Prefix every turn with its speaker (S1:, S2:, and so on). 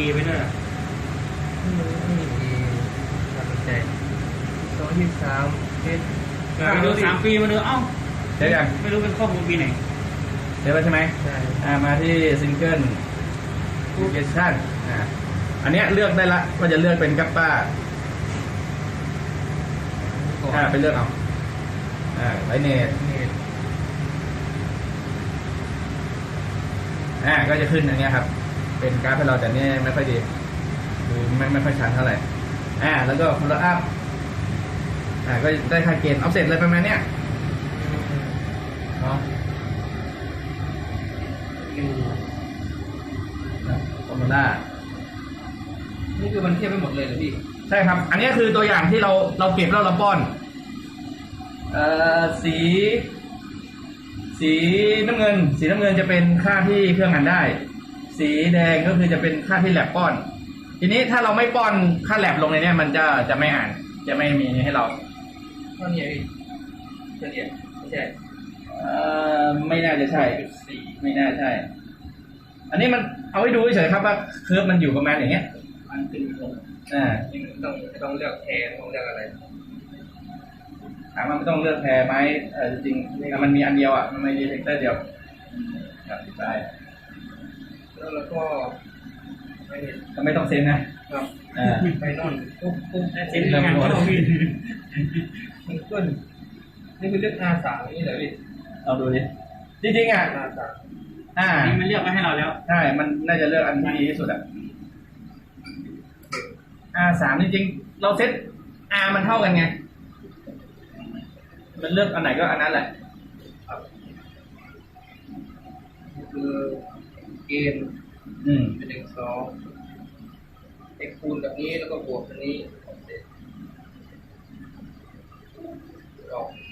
S1: A ไปด้วย
S2: นี่น่าสนใจ2023
S1: ไปดู3 ปีมาดูเอ้า
S3: เดี๋ยวยัง
S1: ไม่รู้เป็นข้อมูลปีไหน
S3: เดี๋ยวแล้วใช่ไหม
S2: ใช่
S3: มาที่ซิงเกิลโลเคชั่นอันเนี้ยเลือกได้ละว่าจะเลือกเป็นกัปป้าไปเลือกเอาไลเนตก็จะขึ้นอันเนี้ยครับเป็นกราฟให้เราแต่เนี่ยไม่ค่อยดีดูไม่ค่อยชัดเท่าไหร่แล้วก็ฟูลอัพก็ได้ค่าเกณฑ์ออฟเซ็ตอะไรประมาณเนี้ยเนาะฟอร์มูล่า
S2: นี่คือมันเทียบไปหมดเลยเหรอพี่
S3: ใช่ครับ อันนี้คือตัวอย่างที่เราเก็บแล้วเราป้อนสีน้ำเงินจะเป็นค่าที่เครื่องอ่านได้ สีแดงก็คือจะเป็นค่าที่แลบป้อน ทีนี้ถ้าเราไม่ป้อนค่าแลบลงในนี้มันจะไม่อ่าน จะไม่มีให้เรา
S2: เท่านี้พี่เฉลี่ยไม่ใช่
S3: ไม่น่าจะใช่ ไม่น่าใช่ อันนี้มันเอาให้ดูเฉยๆครับว่าเคอร์ฟมันอยู่ประมาณอย่างเงี้ย
S2: มันขึ้นลงนี่ต้องเลือกแทนต้องเลือกอะไร
S3: ถามว่าไม่ต้องเลือกแพรไหมจริงๆมันมีอันเดียวมันมีดีเทคเตอร์เดียวครับใช่
S2: แล้วก็
S3: ไม่ต้องเซ็นนะครับ
S2: ไปนอนปุ๊บ
S1: เซ็นงานเขาพี่
S2: มันขึ้นนี่คือเลือก R3 นี่เหรอพี่
S3: เราดูดิจริงๆ
S2: R3
S1: นี่มันเลือกไว้ให้เราแล้ว
S3: ใช่มันน่าจะเลือกอันที่ดีที่สุดR3 จริงๆเราเซ็ต R มันเท่ากันไงมันเลือกอันไหนก็อันนั้นแหละ
S2: คือเกณฑ์เป็น1 2 คูณแบบนี้แล้วก็บวกอันนี้ออก